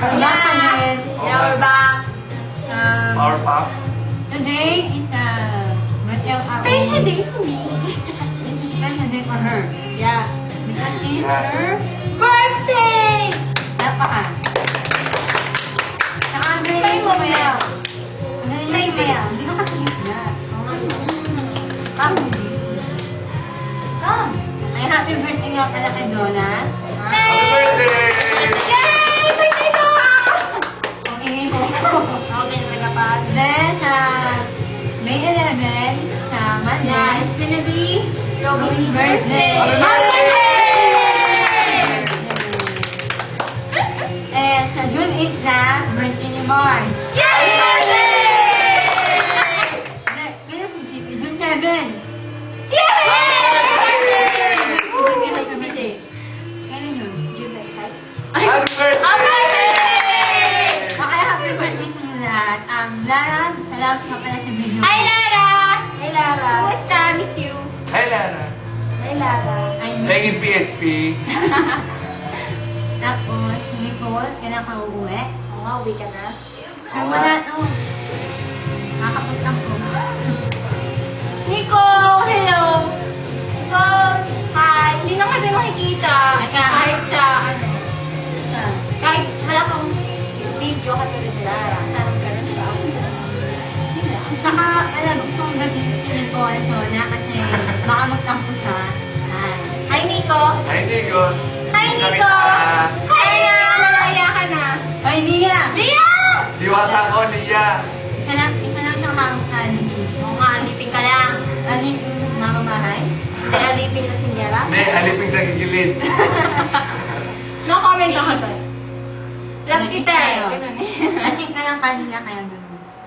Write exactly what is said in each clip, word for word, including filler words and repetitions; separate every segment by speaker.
Speaker 1: Yeah, yeah, we're back. Um,
Speaker 2: Power Pop.
Speaker 1: Today is a Rachel
Speaker 3: Special day for me.
Speaker 1: It's a special day for her.
Speaker 3: Yeah.
Speaker 1: Because it's
Speaker 2: Yeah.
Speaker 1: her
Speaker 3: Birthday!
Speaker 1: napaka. Saka ang galing
Speaker 3: May
Speaker 1: mo mamaya.
Speaker 3: moment.
Speaker 1: Ang galing mo
Speaker 3: May
Speaker 1: mamaya.
Speaker 3: day.
Speaker 1: Hindi ka kasi na. Come. Come. Ay, happy birthday nga pala kay Donna.
Speaker 2: Happy birthday!
Speaker 3: Yay! Birthday ko!
Speaker 1: Okay mo.
Speaker 3: Okay, nagapag.
Speaker 1: Then, uh, May eleventh, sa Monday.
Speaker 3: Yeah, it's gonna be
Speaker 1: Robin's birthday.
Speaker 2: Happy
Speaker 3: birthday!
Speaker 1: And sa June eighth na, birthday ni Mars.
Speaker 3: Yay!
Speaker 1: Kaya si Chico, June seventh.
Speaker 3: Yay!
Speaker 1: Kailan yun?
Speaker 3: July five.
Speaker 2: Happy birthday!
Speaker 1: Okay, happy birthday sa inyo lahat. Um, Lara, salamat ka pala sa video.
Speaker 3: Hi, Lara!
Speaker 1: Hi, Lara.
Speaker 3: Kumusta? Miss you.
Speaker 2: Hi, Lara.
Speaker 1: Hi, Lara. Ay,
Speaker 2: Thank you, P S P.
Speaker 1: Tapos, si Nicole, kailan ka uuwi?
Speaker 3: Oo nga, uwi ka na.
Speaker 1: Ay, wala, no. Nakakapagtang ko.
Speaker 3: Nico! Hello! Nico! Hi! Hindi na kasi makikita. Kahit sa, ano, kahit wala kang video katulad ni Lara. Sana magkaroon siya.
Speaker 1: Saka, alam, gusto kong gawin si Nicole, so, na kasi baka magtampo siya. Ay.
Speaker 3: Hi, Nico!
Speaker 2: Hi, Nico.
Speaker 3: Hi, Nico! Hi, Nia! Nalaya ka na.
Speaker 1: Ay, Nia!
Speaker 3: Nia!
Speaker 2: Diwata ko, Nia.
Speaker 1: Isa lang, isa lang siyang makakasan.
Speaker 3: Oo nga, alipin ka lang.
Speaker 1: Ano yung mamamahay?
Speaker 3: Hindi, alipin na si Niera.
Speaker 2: Hindi, aliping sa gigilid.
Speaker 3: No comment ako doon. Love kita eh.
Speaker 1: Tayo.
Speaker 3: Ganun eh.
Speaker 1: Lasing ka lang kanina, kaya ganun.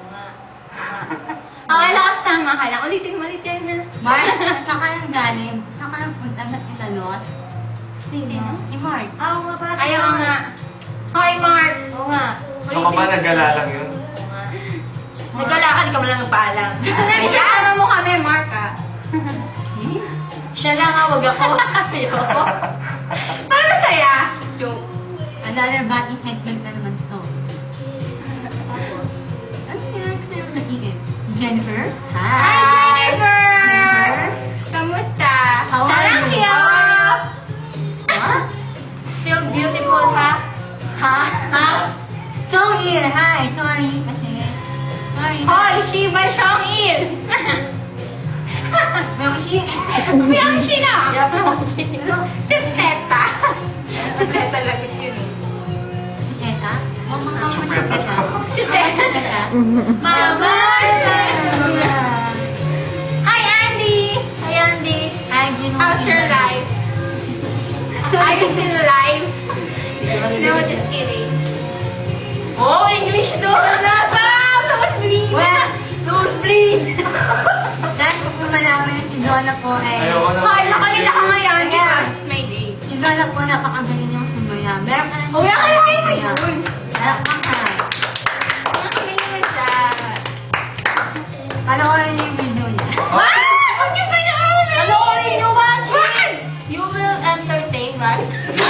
Speaker 3: Okay, lakas tama ka lang. Ulitin mo ulit yan na.
Speaker 1: Mark, saan ka lang galing? Saan ka lang punta na pinalos?
Speaker 3: Sino?
Speaker 1: Si Mark. Ah, oo nga pala.
Speaker 3: Ayaw nga. Hi, Mark.
Speaker 1: Oo nga.
Speaker 2: So ka ba nagala lang yun?
Speaker 3: Naglalakad ka mo lang nagpaalam. Nagpaalam mo kami, Mark ah. Siya lang ah, wag ako. Ayoko. Para masaya. Joke.
Speaker 1: Another body segment na naman to. Ano sinang sa'yo na ikin? Jennifer?
Speaker 3: Hi, Jennifer! Kamusta?
Speaker 1: How are
Speaker 3: Sarang
Speaker 1: you?
Speaker 3: hiyaw!
Speaker 1: What?
Speaker 3: Still beautiful, ha?
Speaker 1: Ha? Ha? Songil! Hi! Sorry kasi... Sorry.
Speaker 3: Hoy, Shiva Shongil!
Speaker 1: Miyangshi!
Speaker 3: Miyangshi na!
Speaker 1: Miyangshi!
Speaker 3: Si Teta! Si Teta lagit yun eh.
Speaker 1: Si Teta? Oh, mga mga si Teta.
Speaker 3: Si Teta! Mama! Hi, Andy! Hi, Andy!
Speaker 1: Hi, Gino.
Speaker 3: How's your life? Are you still alive? No, just kidding. Oh, English doon na ba? Nosebleed!
Speaker 1: Well, nosebleed! Dahil kung malaman si Donna po eh.
Speaker 2: Ayoko na.
Speaker 3: Hoy, nakalita ka ngayon
Speaker 1: Kaya,
Speaker 3: because may day.
Speaker 1: si Donna po napakagaling yung sumaya. Meron ka na
Speaker 3: Uwi ka na kayo
Speaker 1: sumaya.
Speaker 3: yun.
Speaker 1: Meron ka na.
Speaker 3: Nakagaling naman siya.
Speaker 1: Panoorin niyo yung video niya.
Speaker 3: What? Huwag niyo panoorin!
Speaker 1: Panoorin niyo, watch it!
Speaker 3: You will entertain, right?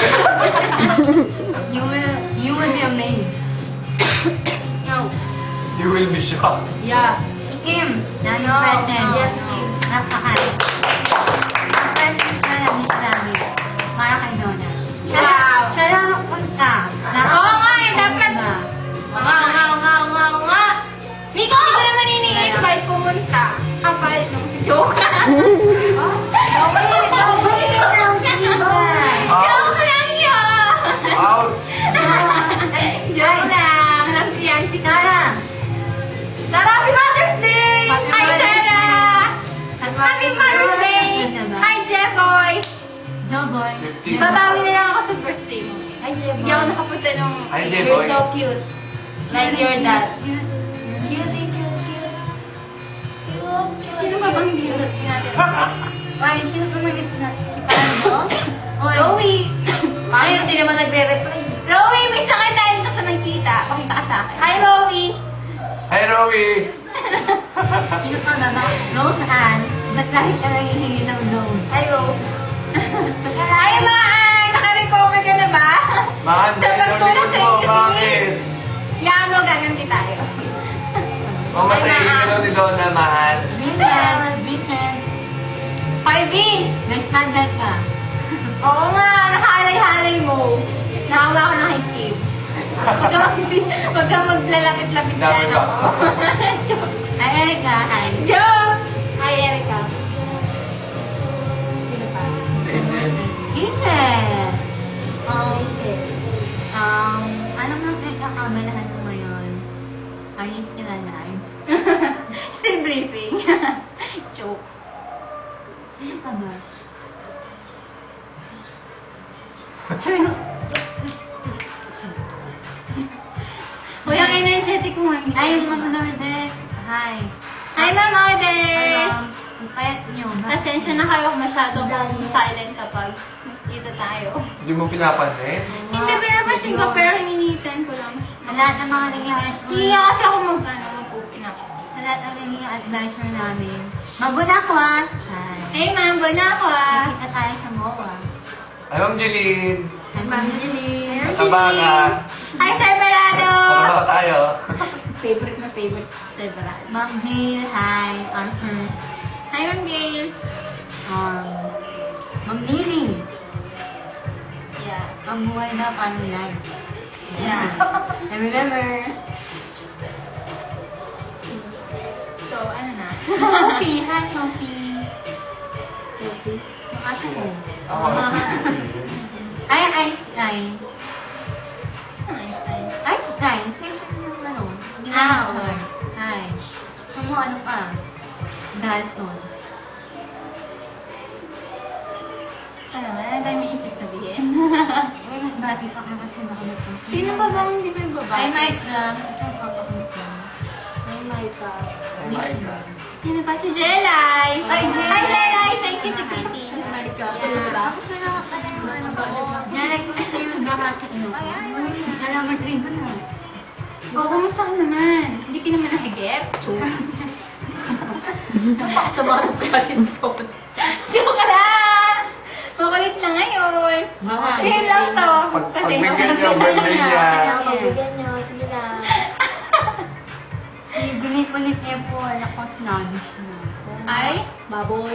Speaker 1: You will, you will be amazed.
Speaker 3: No.
Speaker 2: You will be shocked.
Speaker 1: Yeah. Kim, na yung
Speaker 3: No,
Speaker 1: present.
Speaker 3: no,
Speaker 1: Yes,
Speaker 3: no.
Speaker 1: Kim. Napaka. Ang present na lang ni Sabi. Para kay Donna. Siya lang-
Speaker 3: Wow.
Speaker 1: Siya lang ang punta.
Speaker 3: Oo nga, eh, dapat. Oo nga, oo nga, oo nga, oo nga, oo nga. Nico, hindi ko naman ini-invite pumunta. Ang palit nung si Joke. Joke lang yun!
Speaker 2: Ouch!
Speaker 3: Joke lang. Alam ko yan, si Tara. Tara, happy Mother's Day!
Speaker 1: Happy
Speaker 3: Hi,
Speaker 1: Mother's
Speaker 3: Tara!
Speaker 1: Day.
Speaker 3: Happy Mother's Day! Hi, Jeboy!
Speaker 1: Joboy.
Speaker 3: Babawi na lang ako sa birthday mo.
Speaker 1: Hi,
Speaker 3: Hindi ako nakapunta nung
Speaker 2: Hi,
Speaker 3: you're
Speaker 2: Jeboy.
Speaker 3: so cute. Like your dad.
Speaker 1: Cute.
Speaker 3: Cute, cute, cute. Sino ba bang hindi natin?
Speaker 1: Ay, sino pa may gusto na? Si Pando? Oy.
Speaker 3: Joey! Ay, hindi naman nagre-reply. Joey, may sakit tayo dito sa nagkita. Pakita ka sa akin. Hi, Joey!
Speaker 2: Hi, Rowie!
Speaker 1: Sino pa ba? Rose Ann. Ba't lagi ka nanghihingi ng loan?
Speaker 3: Hi, Rose. Hi, Maan! Naka-recover ka na ba?
Speaker 2: Mahal,
Speaker 3: Sa pagtulong sa
Speaker 2: mo,
Speaker 3: inyo,
Speaker 2: bakit?
Speaker 3: Yan mo, gaganti tayo.
Speaker 2: Mamatayin ka daw ni Donna, mahal.
Speaker 1: Vincent, Vincent.
Speaker 3: Five B!
Speaker 1: Nag-standard ka.
Speaker 3: Oo nga, nakahalay-halay mo. Nakawa ko ng hikib. Huwag ka mag- huwag ka maglalapit-lapit
Speaker 2: Dami
Speaker 3: dyan
Speaker 2: ba?
Speaker 3: ako.
Speaker 1: Ay, Erica, hi.
Speaker 3: Joke! Hi, Erica. Sino pa?
Speaker 1: Vincent. Um, um, anong mga pinagkakabalahan mo ngayon? Are you still alive?
Speaker 3: Still breathing. Joke.
Speaker 1: Sino ka ba?
Speaker 3: Kuya, energetic ko ngayon.
Speaker 1: Ay, mga Lourdes. Hi.
Speaker 3: Hi, Ma'am Ode!
Speaker 1: Um, ang payat niyo. Bakit?
Speaker 3: Pasensya na kayo kung masyado akong silent kapag nakikita tayo.
Speaker 2: Hindi mo pinapansin?
Speaker 3: Hindi ba napansin ko, pero hininitan ko lang.
Speaker 1: Sa lahat ng mga naging
Speaker 3: Hindi nga kasi ako mag, ano, mag-open up.
Speaker 1: Sa lahat ng naging advisor namin. Mabuna ko ah. Hi.
Speaker 3: Hey, ma'am, buna ako ah.
Speaker 1: Nakita tayo sa M O A.
Speaker 2: Ay, Ma'am Jeline.
Speaker 1: Hi, Ma'am Jeline.
Speaker 2: Mataba ka.
Speaker 3: Hi, Sir Barado!
Speaker 2: Mataba tayo.
Speaker 3: Favorite na favorite, Sir Barado.
Speaker 1: Ma'am Gail. Hi. Arthur.
Speaker 3: Hi, Ma'am Gail.
Speaker 1: Um, Ma'am Lily.
Speaker 3: Yeah.
Speaker 1: Ang buhay na paano yan?
Speaker 3: Yeah.
Speaker 1: I remember.
Speaker 3: So, ano na?
Speaker 1: Sophie. Hi, Sophie. Sophie. Yung aso ko.
Speaker 2: Ako.
Speaker 1: Ay, Einstein.
Speaker 3: Einstein.
Speaker 1: Einstein. Section ng ano?
Speaker 3: Ah,
Speaker 1: Ginagawa. Hi. Ano ano pa? Dalton.
Speaker 3: Ano na? Ang dami isip sabihin.
Speaker 1: Uy, mas bati pa ka kasi baka magpapit.
Speaker 3: Sino ba bang hindi ko yung babae?
Speaker 1: Ay, Mike lang. Ito ang papakamit lang.
Speaker 3: Ay, Micah.
Speaker 2: Oh my God.
Speaker 3: Sino pa? Si Jelay.
Speaker 1: Ay, Jelay.
Speaker 3: Hi, Jelay. Thank you to Kitty.
Speaker 1: Micah.
Speaker 3: Yeah.
Speaker 1: Tapos na lang pala yung ano ko. Direct ko sa yung bahati mo.
Speaker 3: Ay, ay, ay.
Speaker 1: Alam mo, drink ko na.
Speaker 3: O, kumusta ka naman? Hindi ka naman nahigip? Napakasamahan ka rin ko. Joke ka lang! Makulit lang ngayon.
Speaker 1: Mga.
Speaker 3: Same lang to.
Speaker 2: Pag-
Speaker 3: Kasi
Speaker 2: pagbigyan niya, birthday niya.
Speaker 3: Pagbigyan niyo, sige lang.
Speaker 1: Gunit-gunit niya po, anak ko, snobbish na.
Speaker 3: Ay?
Speaker 1: Baboy.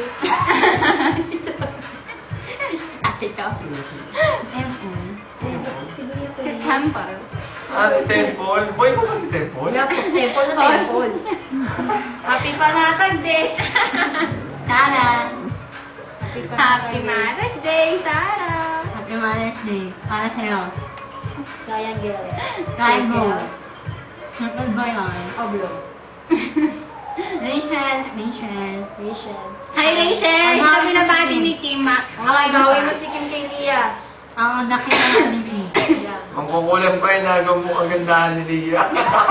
Speaker 3: Ay, ikaw.
Speaker 1: M O.
Speaker 3: Si Temple.
Speaker 2: Ah, si Temple. Boy ko ba si Temple?
Speaker 1: Temple na temple.
Speaker 3: Happy panatag day!
Speaker 1: Tara.
Speaker 3: Happy Mother's Day, Sarah!
Speaker 1: Happy Mother's Day. Para sa'yo.
Speaker 3: Sayang girl.
Speaker 1: Triangle. Circle by line.
Speaker 3: Oblong.
Speaker 1: Rachel. Rachel.
Speaker 3: Rachel. Hi, Rachel!
Speaker 1: Ang
Speaker 3: Ito
Speaker 1: mga
Speaker 3: binabati ni Kim. ah.
Speaker 1: Okay,
Speaker 3: gawin mo si Kim kay Lia.
Speaker 1: Ang nakita ni Kim.
Speaker 2: Ang kukulang pa yung nagawa mo kagandahan ni Lia.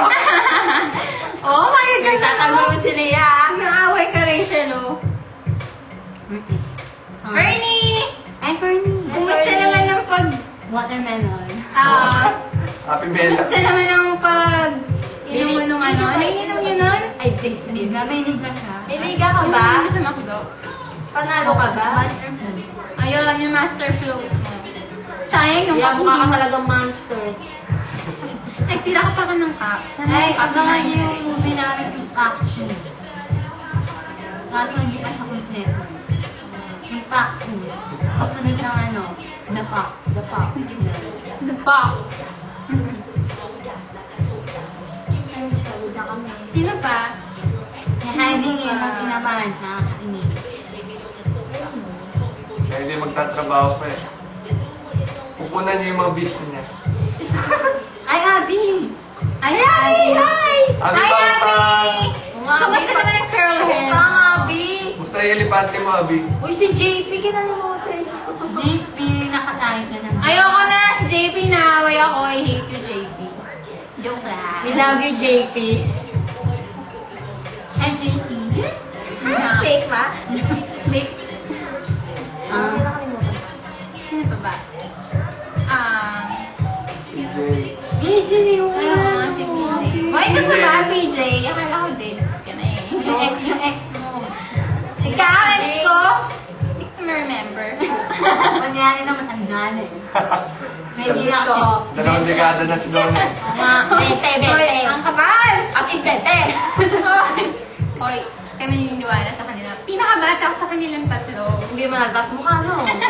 Speaker 3: Oh, my God! Tatanggol mo si Lia. Naaway ka, Rachel, oh.
Speaker 1: Ah.
Speaker 3: Bernie!
Speaker 1: Ay, Bernie.
Speaker 3: Kumusta naman ang pag...
Speaker 1: Watermelon.
Speaker 3: Ah...
Speaker 2: Happy Bella.
Speaker 3: Kumusta naman ang pag... Inom mo nung ano? Ano yung inom nyo nun?
Speaker 1: Ay, Disney. Nabainig na siya.
Speaker 3: May liga ka ba? Sa McDo? Panalo ka ba?
Speaker 1: Watermelon.
Speaker 3: Ayun, yung master float. Sayang yung
Speaker 1: Yeah, mukha ka
Speaker 3: talagang monster. Nagtira ka pa ka ng cup.
Speaker 1: Ay, abangan niyo yung movie namin yung action. Kaso hindi pa siya kompleto. Yung action. Kasunod ng ano, the pop. The pop.
Speaker 3: The pop. Sino pa?
Speaker 1: Yung hiding yun ang tinamaan sa ini.
Speaker 2: Kaya hindi magtatrabaho pa eh. Pupunan niya yung mga business niya.
Speaker 1: Ay, Abby!
Speaker 3: Ay, Abby! Hi!
Speaker 2: Abby
Speaker 3: Hi,
Speaker 2: Bangtang!
Speaker 3: Abby! Kamusta naman ang curl hair? Bang, Abby!
Speaker 2: Musta yung elepante mo, Abi?
Speaker 3: Uy, si J P, kinalimutan.
Speaker 1: J P, nakatayo ka ng...
Speaker 3: Ayoko na, si J P, naaway ako. I hate you, J P. Joke lang.
Speaker 1: We love you, J P. Hi, J P.
Speaker 3: Ah, fake ba? Fake.
Speaker 1: Ah.
Speaker 3: Sino pa ba? Um,
Speaker 2: P J.
Speaker 1: B J yun.
Speaker 3: ayoko, si P J. Why ka sa ba, P J? Akala ko din. Ka na eh.
Speaker 1: Yung ex, yung ex mo.
Speaker 3: Ikaw, ex ko? Hindi ko remember.
Speaker 1: Kunyari na matanda. Nanay.
Speaker 3: Maybe ako.
Speaker 2: Dalawang dekada na si Donnie.
Speaker 3: Mga bete, bete. Ang kapal! At bete.
Speaker 4: Hoy, kami naniniwala sa kanila. Pinakabata ako sa kanilang tatlo.
Speaker 3: Hindi mo nalabas mukha, no?